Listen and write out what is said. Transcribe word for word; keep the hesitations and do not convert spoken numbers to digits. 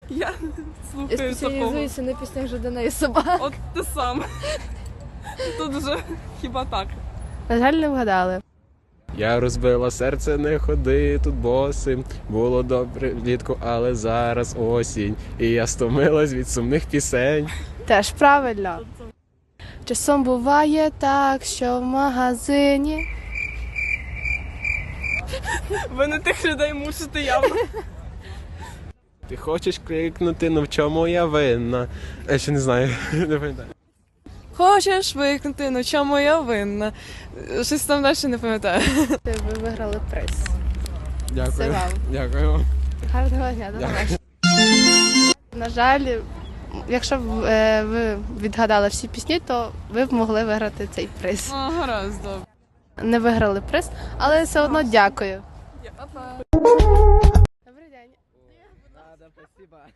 Я Я слухаю такого. спеціалізуюся на піснях Жадана і собак. От ти сам. Тут вже хіба так. На жаль, не вгадали. Я розбила серце, не ходи тут босим. Було добре влітку, але зараз осінь. І я стомилась від сумних пісень. Теж правильно. Часом буває так, що в магазині. Ви не тих людей мусите явно. Ти хочеш крикнути, ну в чому я винна? Я ще не знаю, не пам'ятаю. Хочеш викнути, ну чому я винна? Щось там далі не пам'ятаю. Ви виграли приз. Це Дякую. вам. Дякую вам. Гарного дня, до побачення. На жаль, якщо б е, ви відгадали всі пісні, то ви б могли виграти цей приз. Ну, гаразд, добре. Не виграли приз, але все одно дякую. Добрий день.